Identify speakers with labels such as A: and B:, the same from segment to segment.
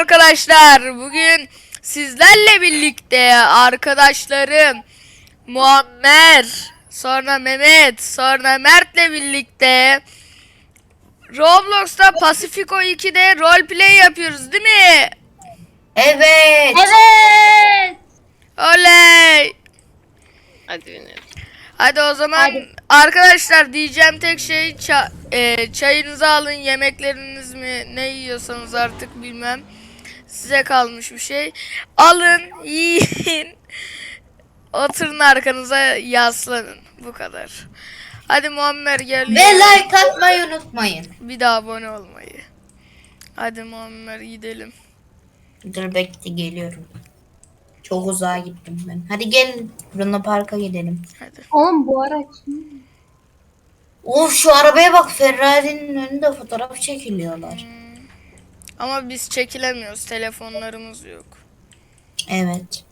A: arkadaşlar. Bugün sizlerle birlikte arkadaşlarım Muammer, sonra Mehmet, sonra Mert'le birlikte Roblox'ta Pacifico 2'de roleplay yapıyoruz değil mi?
B: Evet.
C: Evet.
A: Oley!
D: Hadi binelim.
A: Hadi o zaman
C: Hadi.
A: arkadaşlar diyeceğim tek şey çayınızı alın, yemekleriniz mi ne yiyorsanız artık bilmem. Size kalmış bir şey. Alın, yiyin. Oturun arkanıza yaslanın. Bu kadar. Hadi Muammer gel.
B: Ve like atmayı unutmayın.
A: Bir daha abone olmayı. Hadi Muammer gidelim.
B: Dur bekle geliyorum. Çok uzağa gittim ben. Hadi gelin Luna Park'a gidelim.
A: Hadi.
C: Oğlum bu araç.
B: Of şu arabaya bak, Ferrari'nin önünde fotoğraf çekiliyorlar.
A: Ama biz çekilemiyoruz. Telefonlarımız yok.
B: Evet.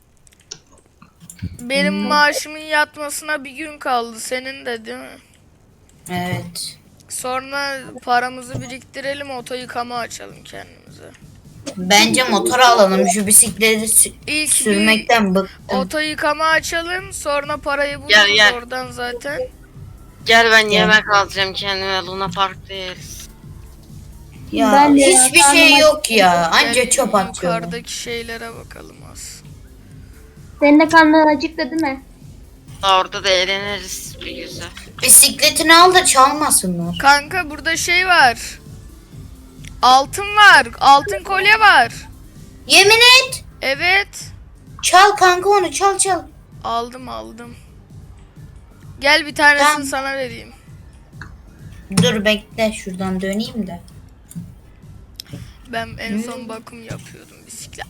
A: Benim maaşımın yatmasına bir gün kaldı. Senin de değil mi?
B: Evet.
A: Sonra paramızı biriktirelim, oto yıkama açalım kendimize.
B: Bence motor alalım. Şu bisikleti
A: İlk
B: sürmekten bıktım.
A: Oto yıkama açalım, sonra parayı buluruz
D: Gel.
A: oradan zaten.
D: Gel ben yemek alacağım kendime, Luna Park'ta yeriz.
B: Ya
C: Ben de
B: hiçbir
C: ya,
B: şey
C: karnım
B: yok ya. Anca
A: Gel,
B: çöp atıyorlar.
A: yukarıdaki şeylere bakalım az.
C: Senin de karnın acıktı değil mi?
D: Orada da eğleniriz bir güzel.
B: Bisikletini al da çalmasınlar.
A: Kanka burada şey var. Altın var. Altın kolye var.
B: Yemin et.
A: Evet.
B: Çal kanka, onu çal.
A: Aldım. Gel bir tanesini
B: Tamam.
A: sana vereyim.
B: Dur bekle, şuradan döneyim de.
A: Ben en son bakım yapıyordum bisiklet.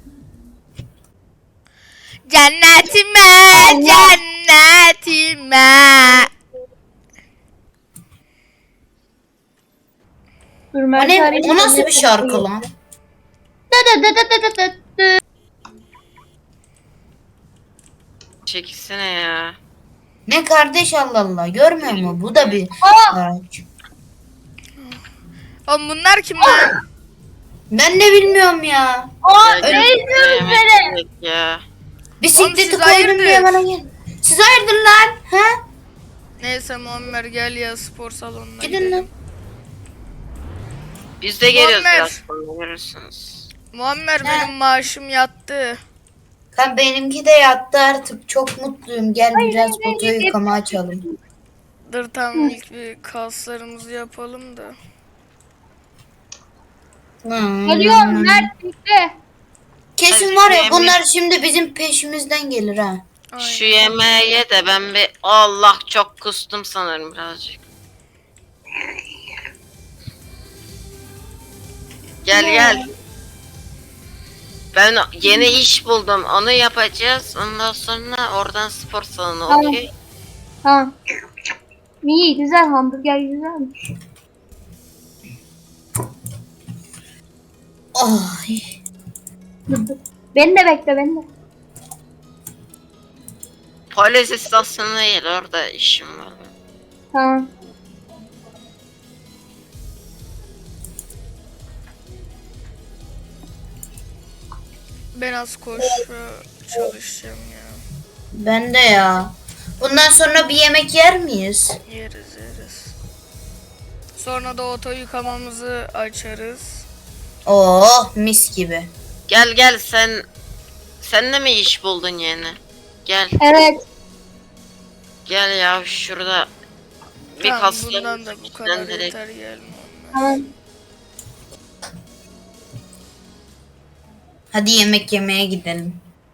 A: Cennetime, cennetime.
C: Dur
B: O
C: Mert
B: ne?
C: arayayım.
B: O nasıl bir şarkı lan?
D: Çekilsene ya.
B: Ne kardeş, Allah Allah, görmüyor mu? Bu da bir araç.
A: Oğlum bunlar kim lan?
B: Ben de bilmiyorum ya.
C: Aa
D: Gel,
C: ne
D: gel,
C: izliyoruz
D: yemek
C: seni?
D: yiyek ya.
B: Bisikleti
A: siz
B: koydum
A: hayırdır?
B: diye bana gel. Siz hayırdır lan? Ha?
A: Neyse Muammer gel ya spor salonuna
B: Gidin
A: gidelim.
B: lan.
D: Biz de geliyoruz
A: Muammer.
D: biraz sonra, görürsünüz.
A: Muammer
B: Ne?
A: benim maaşım yattı.
B: Kan benimki de yattı artık. Çok mutluyum. Gel biraz foto yıkama açalım.
A: Dur tamam ilk bir kaslarımızı yapalım da.
C: Geliyorum Mert bekle.
B: Kesin
D: Hadi
B: var ya,
D: yemek-
B: bunlar şimdi bizim peşimizden gelir ha.
A: Aynen.
D: Şu yemeği ye de ben bir... Allah, çok kustum sanırım birazcık. Gel. Ben yeni iş buldum. Onu yapacağız. Ondan sonra oradan spor salonu,
C: Tamam.
D: okey?
C: Tamam. İyi güzel, hamburger güzelmiş.
B: Ay.
C: Beni de bekle beni de.
D: Polis istasyonuna gel, orada işim var.
C: Tamam.
A: Ben az koşu çalışacağım ya.
B: Ben de ya. Bundan sonra bir yemek yer miyiz?
A: Yeriz. Sonra da oto yıkamamızı açarız.
B: Oh mis gibi.
D: Gel sen de mi iş buldun yeni? Gel
C: Evet.
D: ya, şurada bir
A: Tamam
D: kaslı
A: bundan da bu kadar
D: direkt.
A: yeter gel Muammer.
C: Tamam.
B: Hadi yemek yemeye gidelim.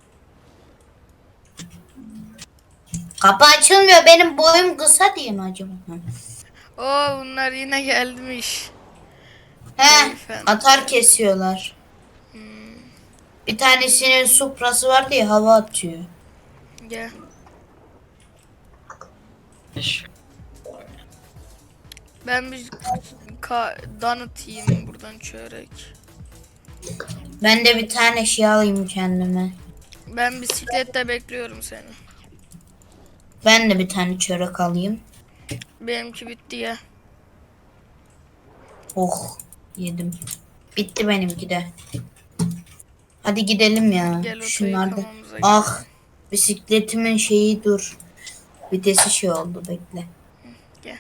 B: Kapı açılmıyor. Benim boyum kısa diye mi acaba?
A: Oo bunlar yine gelmiş.
B: He,
A: Beyefendi.
B: atar kesiyorlar. Bir tanesinin Supra'sı var diye hava atıyor.
A: Gel.
D: Şu-
A: Ben bir donut yiyeyim buradan çörek.
B: Ben de bir tane şey alayım kendime.
A: Ben bisiklette bekliyorum seni.
B: Ben de bir tane çörek alayım.
A: Benimki bitti ya.
B: Oh, yedim. Bitti benimki de. Hadi gidelim ya.
A: Gel oto
B: Şunlarda.
A: yıkamamıza
B: Ah,
A: gidelim.
B: bisikletimin şeyi dur. Vitesi şey oldu, bekle.
A: Gel.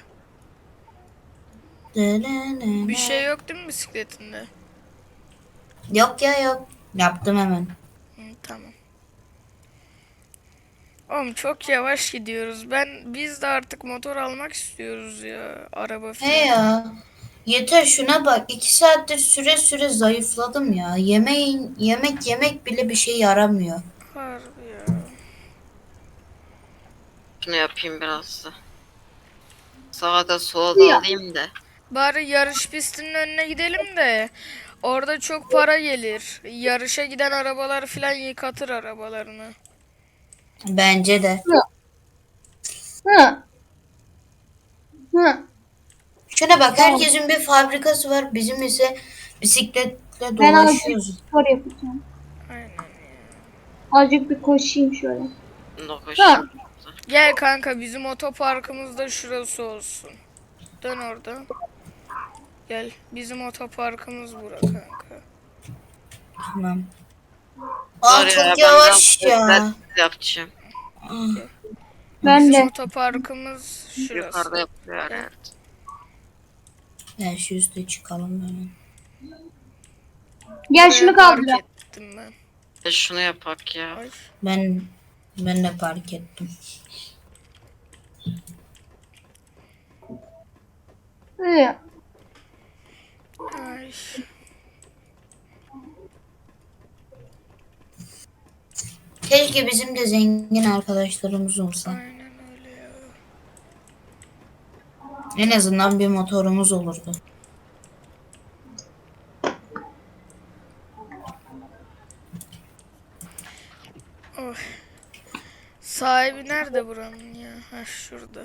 A: Bir şey yok değil mi bisikletinde?
B: Yok ya, yok. Yaptım hemen.
A: Hı, tamam. Oğlum çok yavaş gidiyoruz. Biz de artık motor almak istiyoruz ya. Araba
B: He
A: falan.
B: ya. Yeter, şuna bak. 2 saattir süre zayıfladım ya. Yemek bile bir şey yaramıyor.
A: Harbi ya.
D: Şunu yapayım biraz da. Sağa da sola da alayım da.
A: Bari yarış pistinin önüne gidelim de orada çok para gelir. Yarışa giden arabalar falan yıkatır arabalarını.
B: Bence de.
C: Hı. Hı.
B: Şuna bak, herkesin bir fabrikası var. Bizim ise bisikletle
C: Ben azıcık
B: dolaşıyoruz.
C: spor yapacağım.
A: Aynen.
C: Azıcık bir koşayım şöyle.
D: Dokuşum.
A: Gel kanka bizim otoparkımız da şurası olsun. Dön orada. Gel bizim otoparkımız bura kanka.
B: Tamam. Aa,
D: Dur ya,
B: çok
D: ben
B: yavaş
D: biraz
B: ya.
D: egzersiz yapacağım.
C: Ben
A: Bizim
C: de.
A: otoparkımız şurası.
D: Yukarıda yapıyor herhalde.
B: Ya şu üstte çıkalım hemen.
C: Gel şunu
A: Buraya park
C: kaldır.
A: ettim ben.
D: Şunu yapak ya.
A: Ay.
B: Ben de fark ettim.
C: Hı.
A: Ay.
B: Keşke bizim de zengin arkadaşlarımız olsa.
A: Aynen öyle ya.
B: En azından bir motorumuz olurdu.
A: Oh. Sahibi nerede buranın ya? Ha şurada.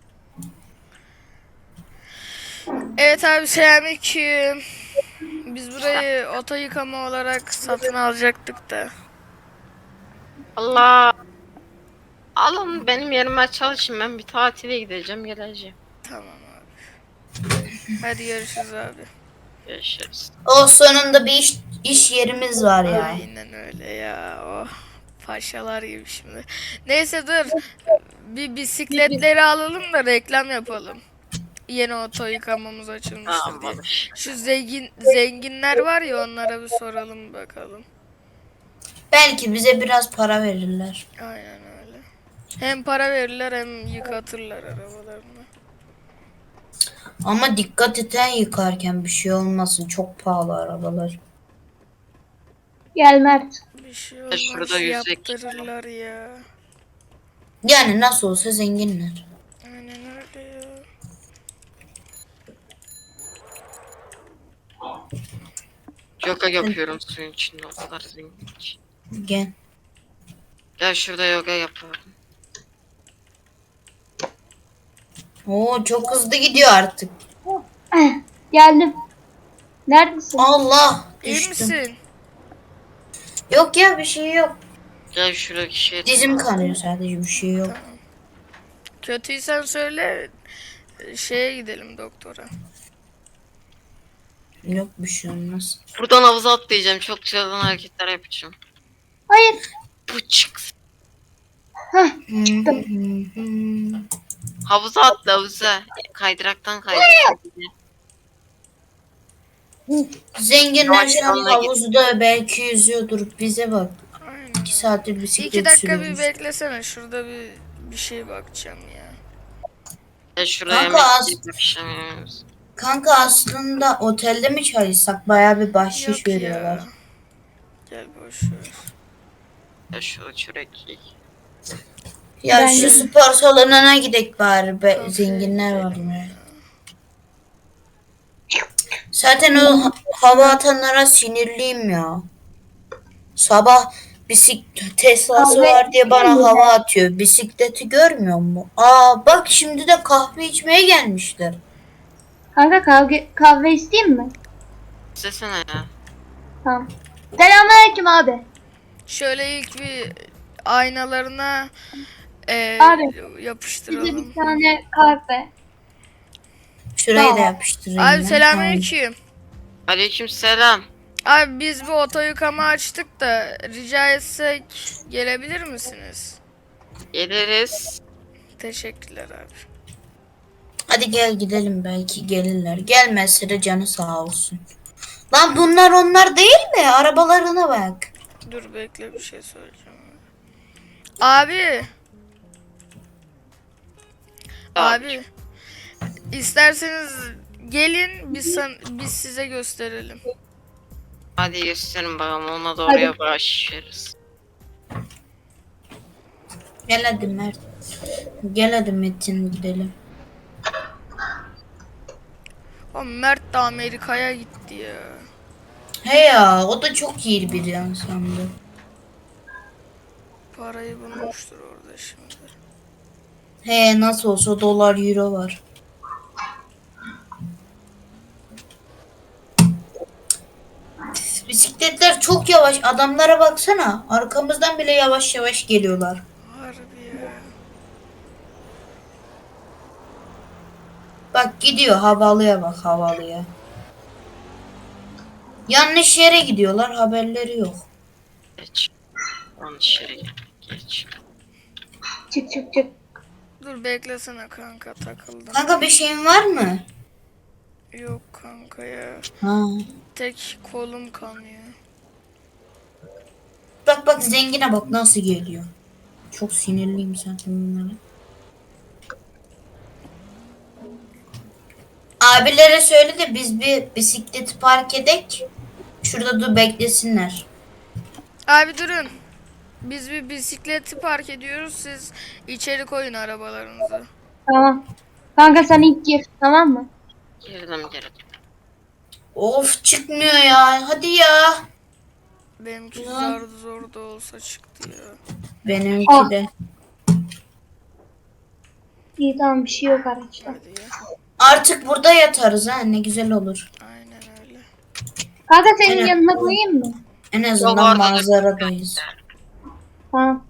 A: Evet abi selamünaleyküm. Biz burayı oto yıkama olarak satın alacaktık da.
D: Allah. Alın benim yerime çalışın, ben bir tatile gideceğim, geleceğim.
A: Tamam abi. Hadi görüşürüz abi.
D: Görüşürüz.
B: O sonunda bir iş yerimiz var ya.
A: Aynen öyle ya. Oh. Paşalar gibi şimdi. Neyse dur. Bir bisikletleri alalım da reklam yapalım. Yeni oto yıkamamız açılmıştır
D: Tamam
A: diye.
D: babiş.
A: Şu zenginler var ya onlara bir soralım bakalım.
B: Belki bize biraz para verirler.
A: Aynen öyle. Hem para verirler hem yıkatırlar arabalarını.
B: Ama dikkat eten yıkarken bir şey olmasın. Çok pahalı arabalar.
C: Gel Mert.
A: Bir şey
D: Şurada
A: olmaz
D: yüzek.
A: yaptırırlar ya.
B: Yani nasıl olsa zenginler.
A: Aynen öyle ya.
D: Yoga yapıyorum suyun içinde, o kadar zengin ki.
B: Gel.
D: Gel şurada yoga yapalım.
B: Oo, çok hızlı gidiyor artık.
C: Geldim. Neredesin?
B: Allah,
A: İyi
B: düştüm.
A: misin?
B: Yok ya, bir şey yok.
D: Gel şuradaki şey.
B: Dizim kanıyor sadece, bir şey yok.
A: Tamam. Kötüysen söyle. Şeye gidelim doktora.
B: Yok, bir şey olmaz.
D: Buradan havuza atlayacağım. Çok çılgın hareketler yapacağım.
C: Hayır.
D: Bu çık.
C: Çıktım.
D: Havuza atla, havuza. Kaydıraktan kaydır.
B: Zenginler
D: Yavaş
B: şu an
D: yoluna git.
B: havuzda belki yüzüyordur. Bize bak.
A: Aynen.
B: 2 saattir bisiklet
A: 2 dakika bir
B: sürüyoruz.
A: beklesene. Şurada bir şey bakacağım ya.
D: Gel şuraya
B: Kanka,
D: yemek
B: az-
D: yiyip akşam yiyoruz.
B: Kanka, aslında otelde mi çalışsak bayağı bir bahşiş
A: Yok
B: veriyorlar.
A: ya. Gel boş ver.
D: Gel şurada çörek yiyin.
B: Ya
C: Ben
B: şu
C: de-
B: spor salonuna gidek bari.
A: Kafeye
B: Zenginler var
A: gidelim
B: mı? Zaten o hava atanlara sinirliyim ya. Sabah Tesla'sı
C: Kahve
B: var diye bana
C: içmiyor
B: hava atıyor. Bisikleti görmüyor mu? Aa bak, şimdi de kahve içmeye gelmişler.
C: Kanka kahve isteyeyim mi?
D: İstesene ya.
C: Tamam. Selamünaleyküm abi.
A: Şöyle ilk bir aynalarına
C: Abi, Bize
A: yapıştıralım.
C: bir tane kahve.
B: Şurayı da
C: Tamam.
B: yapıştırayım
A: Abi
B: ben.
A: selamünaleyküm.
D: Aleykümselam.
A: Abi biz bir oto yıkama açtık da rica etsek gelebilir misiniz?
D: Geliriz.
A: Teşekkürler abi.
B: Hadi gel gidelim, belki gelirler. Gelmezse de canı sağ olsun. Lan bunlar onlar değil mi? Arabalarına bak.
A: Dur bekle bir şey söyleyeceğim. Abi. Abi. İsterseniz gelin biz size gösterelim.
D: Hadi gösterin bakalım, ona da oraya
C: Hadi.
D: başlarız.
B: Gel hadi Mert. Gel hadi Metin gidelim.
A: O Mert de Amerika'ya gitti ya.
B: He ya, o da çok iyi bir insandı.
A: Parayı bulmuştur orada şimdi.
B: He, nasıl olsa dolar euro var. Bisikletler çok yavaş. Adamlara baksana. Arkamızdan bile yavaş yavaş geliyorlar.
A: Harbi ya.
B: Bak gidiyor, havalıya bak, havalıya. Yanlış yere gidiyorlar, haberleri yok.
D: Geç. Yanlış yere gel. Geç.
C: Çık çık çık.
A: Dur beklesene kanka, takıldım.
B: Kanka bir şeyin var mı?
A: Yok kanka ya.
B: Ha.
A: Tek kolum kanıyor.
B: Bak bak, zengine bak nasıl geliyor. Çok sinirliyim zaten bunlara. Abilere söyle de biz bir bisikleti park edek. Şurada dur beklesinler.
A: Abi durun. Biz bir bisikleti park ediyoruz. Siz içeri koyun arabalarınızı.
C: Tamam. Kanka sen ilk gir, tamam mı?
D: Girdim.
B: Of, çıkmıyor ya. Hadi ya.
A: Benimki
B: Ya.
A: zor da olsa çıktı ya.
B: Benimki
C: Ah.
B: de.
C: İyi tamam, bir şey yok araçta.
A: Hadi ya.
B: Artık burada yatarız ha, ne güzel olur.
A: Aynen öyle.
C: Kanka senin
B: Aynen.
C: yanına koyayım mı?
B: En
D: Yok,
B: azından
D: orada dur.
B: manzaradayız.
C: Tamam.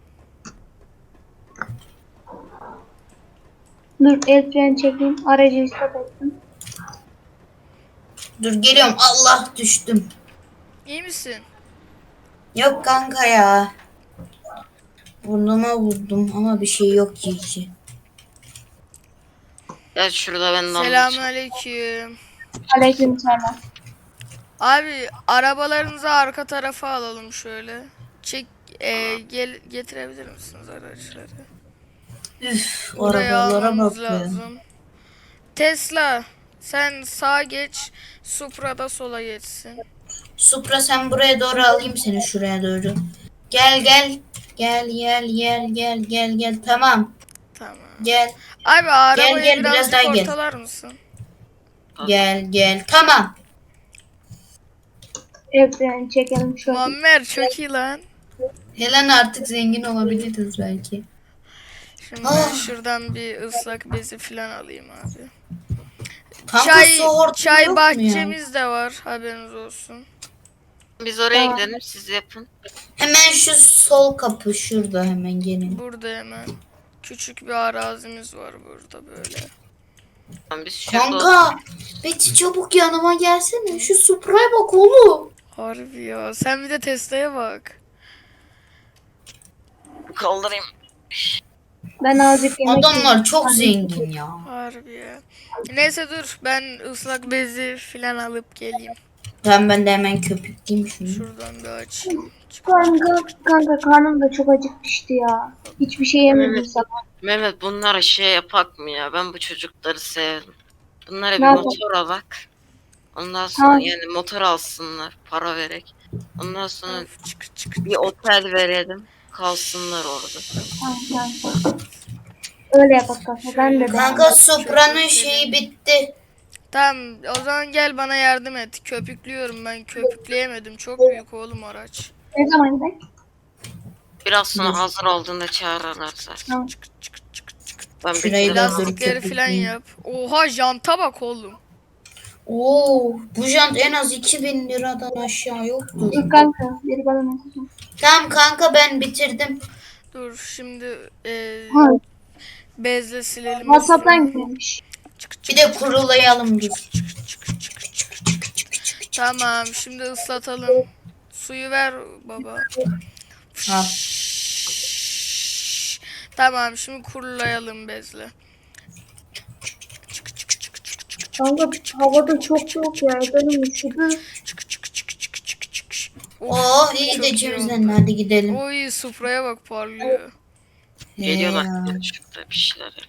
C: Dur el freni çekeyim. Aracı stop ettim.
B: Dur geliyorum. Allah, düştüm.
A: İyi misin?
B: Yok kanka ya. Burnuma vurdum ama bir şey yok ki.
D: Gel şurada ben de
A: Selamünaleyküm.
C: Aleykümselam.
A: Abi arabalarınızı arka tarafa alalım şöyle. Getirebilir misiniz araçları?
B: Üf,
A: Oraya
B: arabalara
A: almamız
B: bak ya.
A: lazım. Tesla, sen sağa geç, Supra da sola geçsin.
B: Supra, sen buraya doğru, alayım seni şuraya doğru. Gel gel. Gel. Tamam.
A: Tamam.
B: Gel.
A: Abi arabayı
B: gel, biraz
A: birazcık
B: daha gel.
A: ortalar mısın?
B: Gel. Tamam.
C: El freni çekelim şöyle.
A: Muammer çok iyi lan.
B: Helen, artık zengin olabiliriz belki.
A: Şimdi ben
B: Ah.
A: şuradan bir ıslak bezi falan alayım abi.
B: Kanka su hortumu
A: Çay
B: yok mu ya?
A: bahçemiz de var, haberiniz olsun.
D: Biz oraya
C: Tamam.
D: gidelim, siz yapın.
B: Hemen şu sol kapı şurada, hemen gelin.
A: Burada hemen küçük bir arazimiz var burada böyle.
D: Tamam, biz şurada
B: Kanka, Betty çabuk yanıma gelsene. Şu Supra'ya bak oğlum.
A: Harbi ya. Sen bir de Tesla'ya bak.
D: kaldırayım.
C: Ben azıcık yemek
B: Adamlar
C: yiyeyim.
B: çok zengin ya.
A: Harbi ya. Neyse dur, ben ıslak bezi falan alıp geleyim.
B: Ben de hemen köpükleyeyim şunu.
A: Şuradan bir açayım.
C: Kanka karnım da çok acıkmıştı ya. Hiçbir şey yemedim
D: Evet.
C: sabah.
D: Mehmet, bunlara şey yapak mı ya? Ben bu çocukları sevdim. Bunlara bir
C: Ne yapalım?
D: motor alak. Ondan sonra
C: Tamam.
D: yani motor alsınlar, para vererek. Ondan sonra
A: Of, çık.
D: bir otel verelim. Kalsınlar orada.
C: Tamam. Öyle yapak kanka. Ben de
B: Kanka Supra'nın şeyi bitti.
A: Tamam, o zaman gel bana yardım et. Köpüklüyorum ben. Köpükleyemedim. Çok büyük oğlum araç.
C: ne zaman gidelim?
D: Biraz sonra hazır olduğunda çağırırlar zaten.
C: Tamam.
A: Çık.
D: Ben
B: Şurayı
D: bir
B: da
D: biraz
B: dur.
A: Lastikleri falan
B: köpükleyeyim.
A: yap. Oha, janta bak oğlum.
B: Oo, bu jant en az 2000 liradan aşağı yoktur.
C: Dur kanka. Biri bana mesaj at.
B: Tamam kanka, ben bitirdim.
A: Dur şimdi
C: Ha,
A: bezle silelim.
C: WhatsApp'tan gelmiş.
B: Bir de kurulayalım dur.
A: Tamam şimdi ıslatalım. Suyu ver baba.
B: Al.
A: Tamam şimdi kurulayalım bezle.
C: Kanka havada çok soğuk ya. Benim üşüdü.
B: Oh iyi
A: çok
B: de
A: iyi
B: içimizden
A: oldu.
B: hadi gidelim.
A: Oy spraya bak parlıyor.
D: Geliyorlar.
B: Ya.
D: Şurada bir şeyler yap.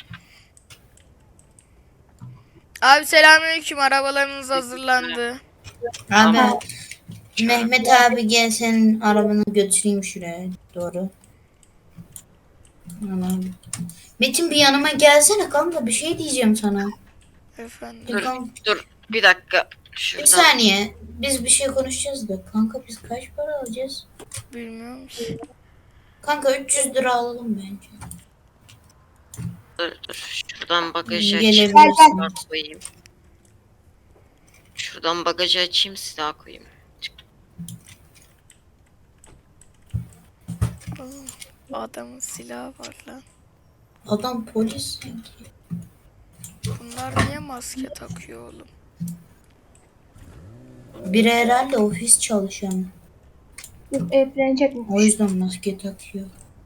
A: Abi selamünaleyküm, arabalarınız hazırlandı.
B: Abi
C: Ha.
B: Mehmet abi gel senin arabanı götüreyim şuraya doğru. Anam. Metin bir yanıma gelsene kanka bir şey diyeceğim sana.
A: Efendim.
B: Bir,
D: Dur,
B: kan-
D: dur. Bir dakika.
B: bir
D: Şuradan.
B: saniye biz bir şey konuşacağız da kanka biz kaç para alacağız?
A: Bilmiyorum ki.
B: Kanka 300 lira alalım bence.
D: Dur. Şuradan bagajı
B: Gelebilirsin.
D: açayım. Silah koyayım. Şuradan bagajı açayım, silah koyayım.
A: Adamın silahı var lan.
B: Adam polis sanki.
A: Bunlar niye maske takıyor oğlum?
B: Biri herhalde ofis çalışanı.
C: Dur evlenecek mi?
B: O yüzden maske takıyor.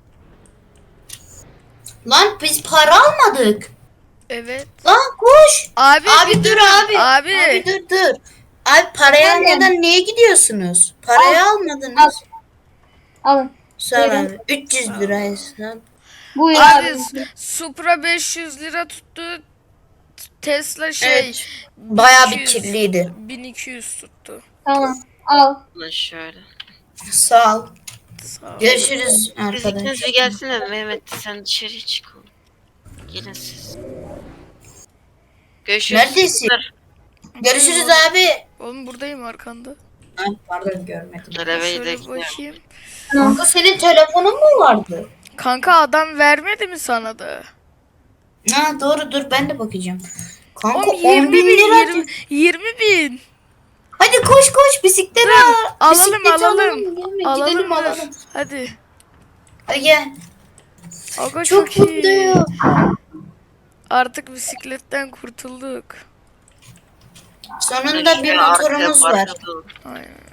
B: Lan biz para almadık.
A: Evet.
B: Lan koş.
A: Abi,
B: Abi
A: bir
B: dur
A: durun.
B: abi.
A: Abi.
B: Dur. Abi parayı
C: Efendim?
B: almadan niye gidiyorsunuz? Parayı almadınız.
C: Alın.
B: Sonra
C: Buyurun.
B: abi 300 lira hesap.
C: Buyur
A: Abi
C: abi.
A: Supra 500 lira tuttu. Tesla şey
B: Evet. Bayağı bir
A: 1200
B: kirliydi.
A: 1200 tuttu.
C: Tamam. Al.
D: Lan şöyle.
B: Sağ ol.
A: Sağ ol.
B: Görüşürüz
D: Siz ikiniz
B: arkadaşlar.
D: bir gelsene Mehmet, sen dışarıya çık oğlum. Gelin siz. Görüşürüz.
B: Neredesin? Görüşürüz abi.
A: Oğlum buradayım arkanda.
B: Ha, pardon görmedim.
D: Dur eve
A: Şöyle
D: gidelim.
A: bakayım.
B: Kanka senin telefonun mu vardı?
A: Kanka adam vermedi mi sana da?
B: Ha doğru dur ben de bakacağım. Kanka
A: Oğlum
B: 10 bin lira.
A: 20 bin.
B: Hadi koş bisiklet al.
A: Alalım
B: Bisikleti
A: alalım.
B: Gelme,
A: Alalım
B: gidelim
A: dur.
B: alalım.
A: Hadi.
B: Hadi gel.
A: Aga
B: Çok
A: çok iyi.
B: mutluyum.
A: Artık bisikletten kurtulduk.
B: Sonunda bir
D: Şöyle arkaya
B: motorumuz var.
D: park atalım.
A: Aynen.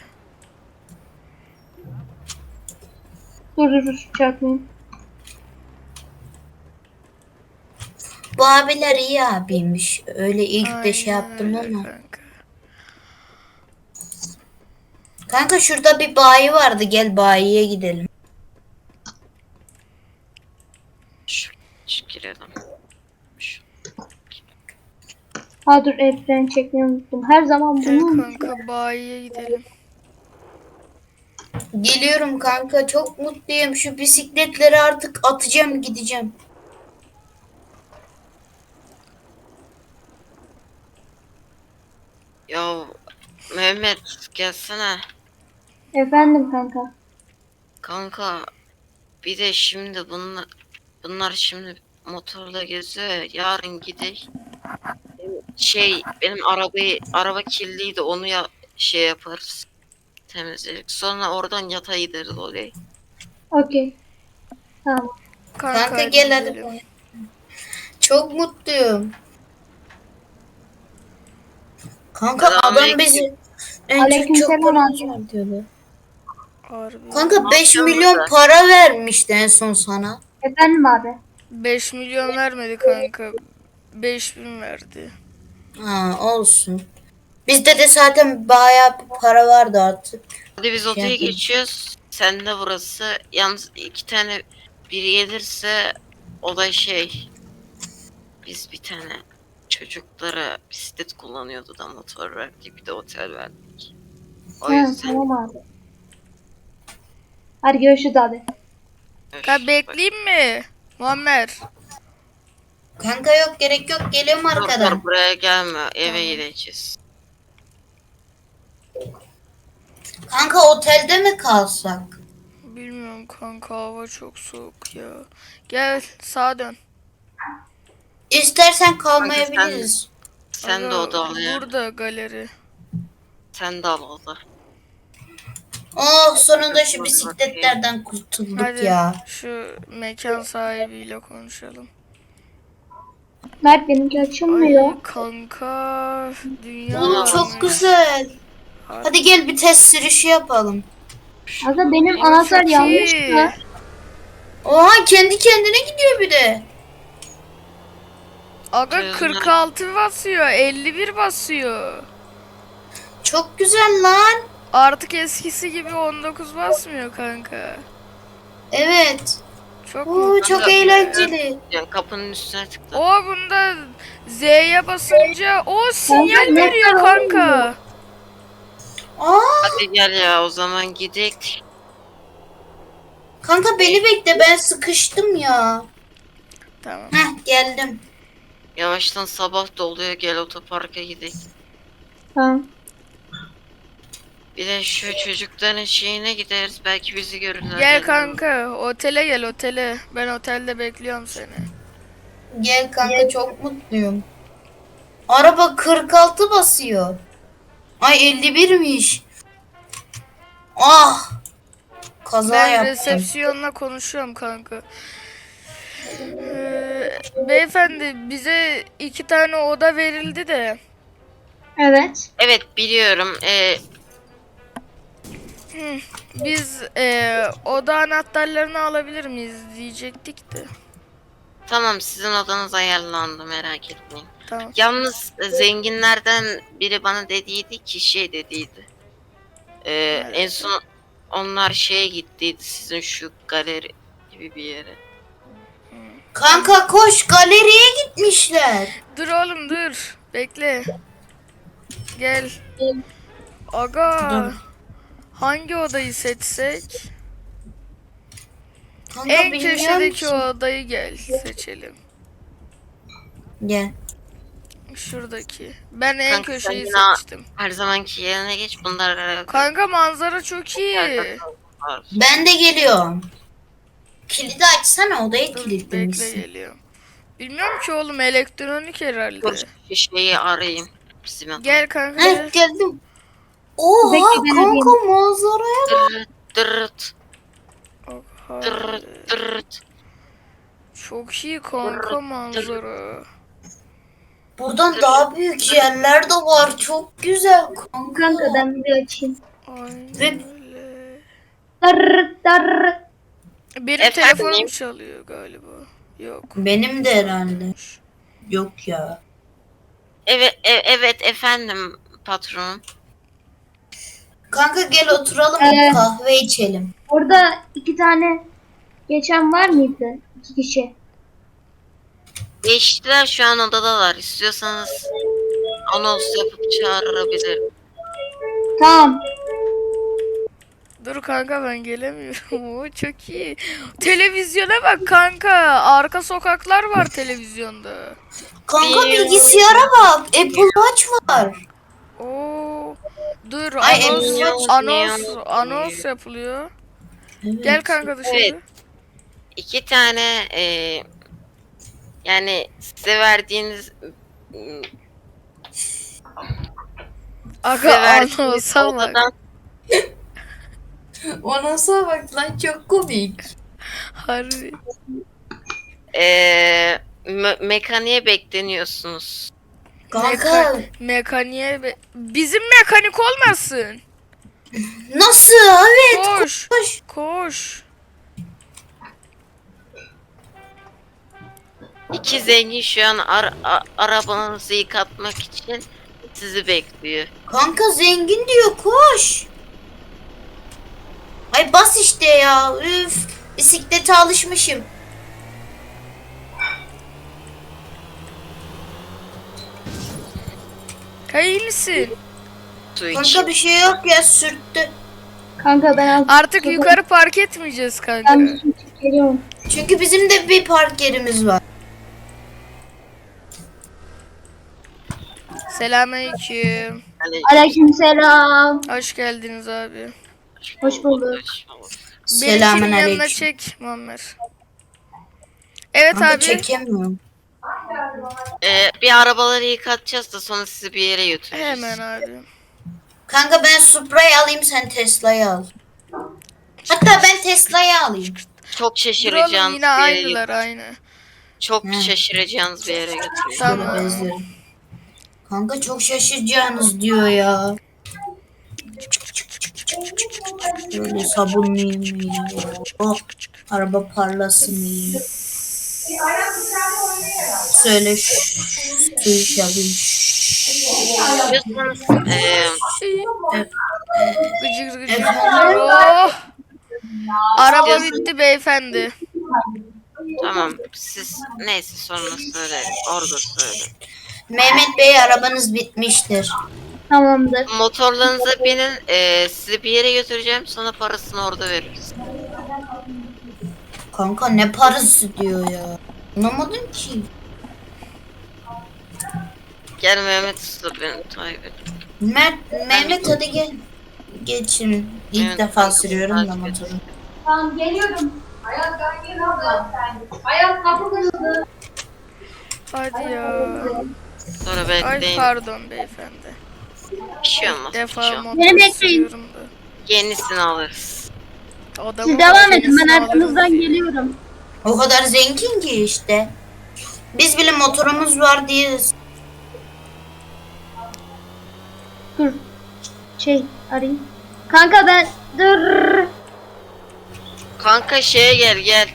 C: Dur çarpmayayım.
B: Bu abiler iyi abiymiş. Öyle ilk de şey
A: Aynen
B: yaptım
A: öyle
B: ama.
A: kanka.
B: Kanka şurada bir bayi vardı. Gel bayiye gidelim.
D: Şu girelim. Şu.
C: Ha dur el freni çekmeyi unuttum. Her zaman
A: Gel
C: bunu
A: kanka bayiye gidelim.
B: Geliyorum kanka. Çok mutluyum. Şu bisikletleri artık atacağım gideceğim.
D: Ya Mehmet gelsene.
C: Efendim kanka.
D: Kanka bir de şimdi bunlar şimdi motorla geziyor ya, yarın gidelim. Benim araba kirliydi, onu şey yaparız. Temizledik. Sonra oradan yatağa gideriz oraya.
C: Okey. Tamam.
B: Kanka
A: hadi
B: gel hadi.
A: gidelim.
B: Çok mutluyum. Kanka adam
D: Selamünaleyküm.
B: bizi en çok
C: Aleykümselam
B: paramız
C: abi.
B: var diyordu.
A: Harbi.
B: Kanka 5
D: yapacağız
B: milyon
D: burada?
B: para vermişti en son sana.
C: Efendim abi.
A: 5 milyon vermedi kanka. 5000 verdi.
B: Ha olsun. Bizde de zaten bayağı bir para vardı artık.
D: Hadi biz odaya
B: yapayım.
D: geçiyoruz. Sen de burası. Yalnız iki tane biri gelirse o da biz bir tane çocuklara bisiklet kullanıyordu da motor verdik, bir de otel verdik. O
C: Ha,
D: yüzden
C: tamam abi. Hadi görüşürüz abi.
A: Kanka bekleyeyim mi? Muammer.
B: Kanka yok gerek yok geliyorum arkadan.
D: Dur, buraya gelme, eve gideceğiz.
B: Kanka otelde mi kalsak?
A: Bilmiyorum kanka, hava çok soğuk ya. Gel sağa dön.
B: İstersen kalmayabiliriz.
D: Sen de
A: Aga,
D: oda al ya.
A: Burada galeri.
D: Sen de al oda.
B: Oh sonunda şu bisikletlerden kurtulduk
A: Hadi
B: ya.
A: şu mekan sahibiyle konuşalım.
C: Mert benimki açılmıyor.
A: Ay kanka, dünya
B: Oğlum
A: varmış.
B: çok güzel. Hadi gel bir test sürüşü yapalım.
C: Kanka benim
A: Oo,
C: anahtar
A: çok
C: yanlış
A: iyi.
C: mı?
B: Oha kendi kendine gidiyor bir de.
A: Aga
D: Çözüm.
A: 46 basıyor, 51 basıyor.
B: Çok güzel lan.
A: Artık eskisi gibi 19 basmıyor kanka.
B: Evet.
A: Çok
B: Oo,
A: mutlu.
B: çok
D: Kanka,
B: eğlenceli.
D: Yani kapının üstüne tıkla.
A: O bunda Z'ye basınca o sinyal
C: Kanka,
A: veriyor
C: ne
A: kanka.
B: Aa,
D: Hadi gel ya o zaman gidelim.
B: kanka beni bekle ben sıkıştım ya.
A: Tamam.
B: Heh geldim.
D: Yavaştan sabah da oluyor, gel otoparka gidelim.
C: Tamam.
D: Bir de şu çocukların şeyine gideriz, belki bizi görürler.
A: Gel
D: gelirler.
A: kanka otele gel otele. Ben otelde bekliyorum seni.
B: Gel kanka çok mutluyum. Araba 46 basıyor. Ay 51'miş. Ah. Kaza
A: Ben
B: yaptım.
A: resepsiyonla konuşuyorum kanka. Beyefendi bize 2 tane oda verildi de.
C: Evet.
D: Evet biliyorum.
A: Biz oda anahtarlarını alabilir miyiz diyecektik de.
D: Tamam, sizin odanız ayarlandı, merak etmeyin.
A: Tamam.
D: Yalnız zenginlerden biri bana dediydi ki şey dediydi. En son onlar şeye gittiydi, sizin şu galeri gibi bir yere.
B: Kanka koş galeriye gitmişler.
A: Dur oğlum dur. Bekle. Gel. Aga.
B: Dur.
A: Hangi odayı seçsek?
B: Kanka
A: En
B: bilmiyorum
A: köşedeki
B: ki.
A: odayı gel seçelim.
B: Gel.
A: Şuradaki. Ben en
D: Kanka,
A: köşeyi
D: sen yine-
A: seçtim.
D: Her zamanki yerine geç, bunlar
A: Kanka manzara çok iyi.
D: var.
B: Ben de geliyorum. Kilidi açsana odayı
A: Dur bekle
B: kilitlemişsin.
A: geliyorum. Bilmiyorum ki oğlum elektronik herhalde.
D: Dur şu şeyi arayayım. Bizim adam.
A: Gel kanka
B: Heh
A: gel.
B: geldim. Oha
C: Bekle, ben
B: kanka manzaraya.
D: Dırırt dırırt
A: Oha.
D: dırırt dırırt.
A: Çok iyi kanka manzara.
B: Buradan daha büyük yerler de var. Çok güzel kanka.
C: Kanka ben bir açayım.
A: Aynen
B: Ve-
A: öyle.
C: Darr darr.
A: Benim
D: Efendim?
A: telefonum çalıyor galiba. Yok.
B: Benim de herhalde. Yok ya.
D: Evet evet efendim patron.
B: Kanka gel oturalım kahve içelim.
C: Orada 2 tane geçen var mıydı? 2 kişi.
D: Geçtiler, şu an odadalar. İstiyorsanız anons yapıp çağırabilirim.
C: Tamam.
A: Dur kanka ben gelemiyorum. Oo, çok iyi. Televizyona bak kanka. Arka sokaklar var televizyonda.
B: Kanka bilgisayara bak. Apple Watch var.
A: Oo. Dur
B: Ay,
A: anons yapılıyor.
B: Evet.
A: Gel kanka dışarı.
D: Evet. 2 tane yani size verdiğiniz
A: Aga
D: size verdiğiniz
A: anonsa bak.
D: odadan
B: Ona bak lan çok komik.
A: Harbi.
D: mekaniğe bekleniyorsunuz.
B: Kanka
A: Mekaniğe bizim mekanik olmasın.
B: nasıl? Evet
A: Koş.
B: koş.
A: Koş.
D: 2 zengin şu an arabanızı yıkatmak için sizi bekliyor.
B: Kanka zengin diyor koş. Ay bas işte ya. Üf. Bisiklete alışmışım.
A: İyi misin?
D: Su için.
B: Kanka bir şey yok ya sürttü.
C: Kanka ben
A: Artık yukarı park etmeyeceğiz kanka.
C: Ben bir çekip geliyorum.
B: Çünkü bizim de bir park yerimiz var.
A: Selamünaleyküm.
D: Hani
C: Aleykümselam.
A: Hoş geldiniz abi.
C: Hoş bulduk.
B: Selamun
A: Benimkinin yanına
B: aleyküm.
A: çek Muammer. Evet
B: Kanka
A: abi.
B: çekemiyorum.
D: Bir arabaları yıkatacağız da sonra sizi bir yere götüreceğiz.
A: Hemen abi.
B: Kanka ben Supra'yı alayım sen Tesla'yı al. Hatta ben Tesla'yı alayım.
D: Çok
A: Dur oğlum
D: şaşıracağınız
A: yine
D: bir yere
A: aynılar aynı.
D: Çok
B: Hı.
D: şaşıracağınız bir yere götüreceğiz.
A: Tamam.
B: Şöyle bezlerim. Kanka çok şaşıracağınız diyor ya. Böyle sabunlayayım iyi. Oh, araba parlasın iyi. Söyle su içelim.
D: İstiyorsanız
B: Evet.
A: Gıcır gıcır. Oh. Araba
D: İstiyorsan-
A: bitti beyefendi.
D: tamam siz neyse sonra söyle. Orada söyle.
B: Mehmet Bey arabanız bitmiştir.
C: Tamamdır.
D: Motorlarınıza binin. Sizi bir yere götüreceğim. Sonra parasını orada veririz.
B: Kanka ne parası diyor ya. Anlamadım ki.
D: Gel Mehmet Usta beni takip et.
B: Mehmet hadi gel. Geçin. İlk
D: Evet,
B: defa
D: kanka,
B: sürüyorum da
D: takip et.
B: motoru.
E: Tamam geliyorum. Hayat ben geliyorum. Hayat kapı kırıldı.
A: Hadi ya.
D: Sonra
A: Ay
D: bekleyin.
A: pardon beyefendi.
D: Bir şey olmaz.
A: İlk
D: Bir şey
A: defa
D: olmaz.
A: motor
C: Beni bekleyin.
A: sürüyorum da.
D: Yenisini alırız.
A: Adamın
C: Siz devam edin,
A: yenisini
C: ben
A: alırız
C: arkanızdan
A: diye.
C: geliyorum.
B: O kadar zengin ki işte. Biz bile motorumuz var diye.
C: Dur. Arayayım. Kanka ben dur.
D: Kanka şeye gel.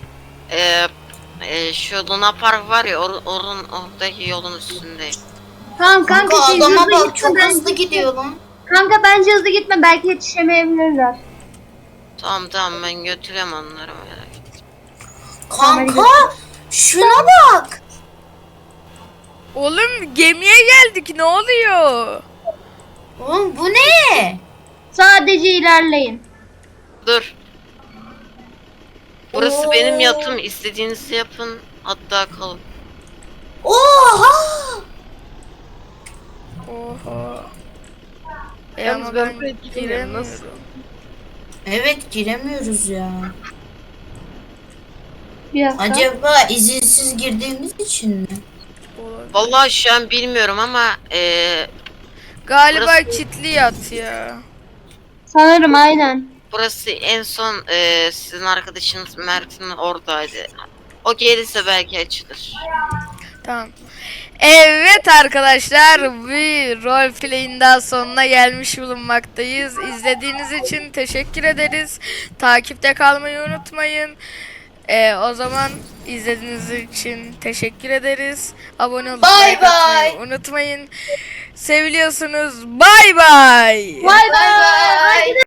D: Şu Luna Park var ya oradaki yolun üstündeyim.
C: Tamam
B: Kanka
C: siz
B: adama
C: hızlı
B: bak
C: gitme,
B: çok
C: ben-
B: hızlı gidiyor lan.
C: Kanka bence hızlı gitme, belki yetişemeyebilirler.
D: Tamam ben götürüyorum onları merak etme.
B: Kanka şuna bak.
A: Oğlum gemiye geldik ne oluyor?
B: Oğlum bu ne?
C: Sadece ilerleyin.
D: Dur. Burası
B: Oo.
D: benim yatım. İstediğinizi yapın. Hatta kalın.
B: Oha!
A: Oha.
F: Yalnız
A: Ama
F: ben
A: ben
F: buraya giremiyorum, nasıl?
A: giremiyorum.
B: Evet giremiyoruz ya.
C: Bir dakika.
B: Acaba izinsiz girdiğimiz için mi?
A: Olabilir.
D: Vallahi şu an bilmiyorum ama
A: Galiba
D: Burası-
A: kilitli yat ya.
C: Sanırım aynen.
D: burası en son sizin arkadaşınız Mert'in oradaydı. O gelirse belki açılır.
A: Tamam. Evet arkadaşlar bir roleplay'in daha sonuna gelmiş bulunmaktayız. İzlediğiniz için teşekkür ederiz. Takipte kalmayı unutmayın. O zaman izlediğiniz için teşekkür ederiz. Abone olmayı
B: Bye bye.
A: unutmayın. Seviliyorsunuz. Bay bay.
C: Bay bay.